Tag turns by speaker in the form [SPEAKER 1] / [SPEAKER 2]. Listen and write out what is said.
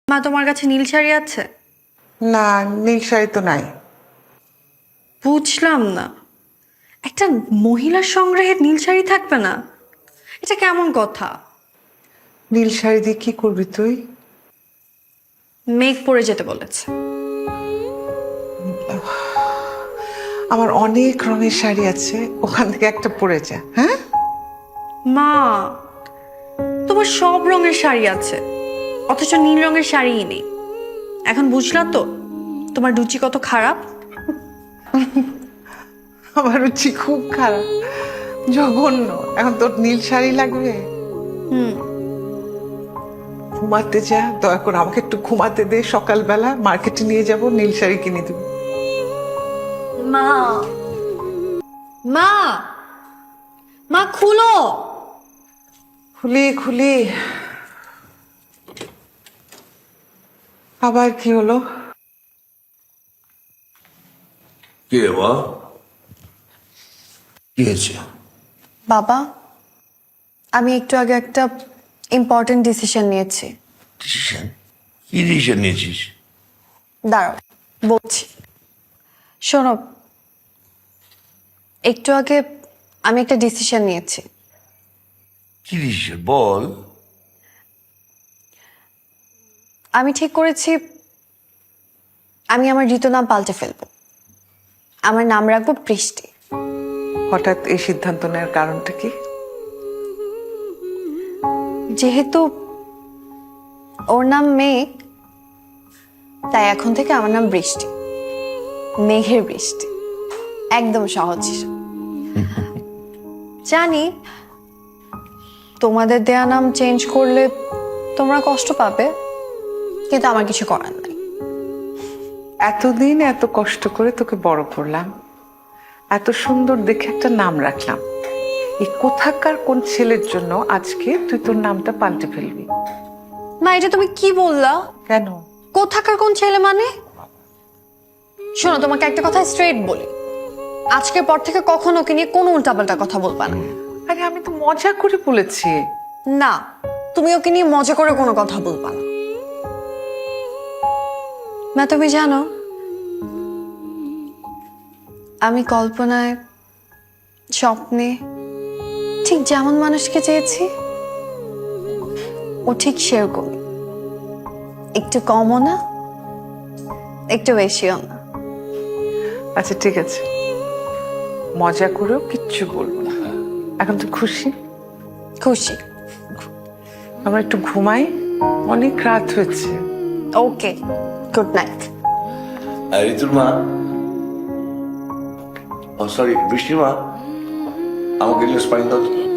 [SPEAKER 1] মা, তোমার কাছে নীল শাড়ি আছে?
[SPEAKER 2] না, নীল শাড়ি তো নাই।
[SPEAKER 1] বুঝলাম না, একটা মহিলার সংগ্রহে নীল শাড়ি থাকবে না? এটা কেমন কথা?
[SPEAKER 2] নীল শাড়ি দিয়ে কি করবি তুই?
[SPEAKER 1] মেঘ পরে যেতে বলেছে।
[SPEAKER 2] আমার অনেক রঙের শাড়ি আছে, ওখান থেকে একটা পরে যা। হ্যাঁ
[SPEAKER 1] মা, তোমার সব রঙের শাড়ি আছে, অথচ নীল রঙের শাড়িই নেই। এখন বুঝলা তো তোমার রুচি কত খারাপ?
[SPEAKER 2] আমার রুচি খুব খারাপ, জঘন্য। এখন তোর নীল শাড়ি লাগবে?
[SPEAKER 1] হুম।
[SPEAKER 2] ঘুমাতে যা, দয়া করে আমাকে একটু ঘুমাতে দে। সকালবেলা মার্কেটে নিয়ে যাব, নীল শাড়ি কিনে দেবো।
[SPEAKER 1] মা, মা, মা খুলো।
[SPEAKER 2] খুলি খুলি। আবার কি হলো?
[SPEAKER 3] কি রে মা? কি হয়েছে?
[SPEAKER 1] বাবা, আমি একটু আগে একটা ইম্পর্টেন্ট ডিসিশন নিয়েছি।
[SPEAKER 3] ডিসিশন? কি ডিসিশন নিয়েছিস?
[SPEAKER 1] দাঁড়াও, বলছি। শোনো, একটু আগে আমি একটা ডিসিশন নিয়েছি।
[SPEAKER 3] কি ডিসিশন বল?
[SPEAKER 1] আমি ঠিক করেছি আমি আমার ঋতু নাম পাল্টে ফেলবো। আমার নাম রাখবো বৃষ্টি।
[SPEAKER 2] হঠাৎ এই সিদ্ধান্ত নেওয়ার কারণটা কি?
[SPEAKER 1] যেহেতু ওর নাম মেঘ, তাই এখন থেকে আমার নাম বৃষ্টি। মেঘের বৃষ্টি। একদম সহজ হিসাব। জানি তোমাদের দেয়া নাম চেঞ্জ করলে তোমরা কষ্ট পাবে, কিন্তু আমার কিছু করার নাই।
[SPEAKER 2] এতদিন এত কষ্ট করে তোকে বড় করলাম, এত সুন্দর দেখে একটা নাম রাখলাম। এই কোথাকার কোন ছেলের জন্য আজকে তুই তোর নামটা পাল্টে ফেলবি?
[SPEAKER 1] মা, এটা তুমি কি বললা?
[SPEAKER 2] কেন?
[SPEAKER 1] কোথাকার কোন ছেলে মানে? শোনো, তোমাকে একটা কথা স্ট্রেট বলি, আজকের পর থেকে কখনো ওকে নিয়ে কোনো উল্টাপাল্টা কথা বলবা না।
[SPEAKER 2] আরে আমি তো মজা করে বলেছি।
[SPEAKER 1] না, তুমি ওকে নিয়ে মজা করে কোনো কথা বলবা না। মা, তুমি জানো আমি কল্পনায়, স্বপ্নে ঠিক যেমন মানুষকে চেয়েছি, ও ঠিক সেরকম। একটু কমও না, একটু বেশিও না।
[SPEAKER 2] আচ্ছা ঠিক আছে, মজা করেও কিচ্ছু বলবো না। এখন তো খুশি?
[SPEAKER 1] খুশি।
[SPEAKER 2] আমরা একটু ঘুমাই, অনেক রাত হয়েছে।
[SPEAKER 1] Okay, good night.
[SPEAKER 3] ঋতুর মা, ও সরি, বৃষ্টির মা, আমাকে গ্লাস পানি দাও তো।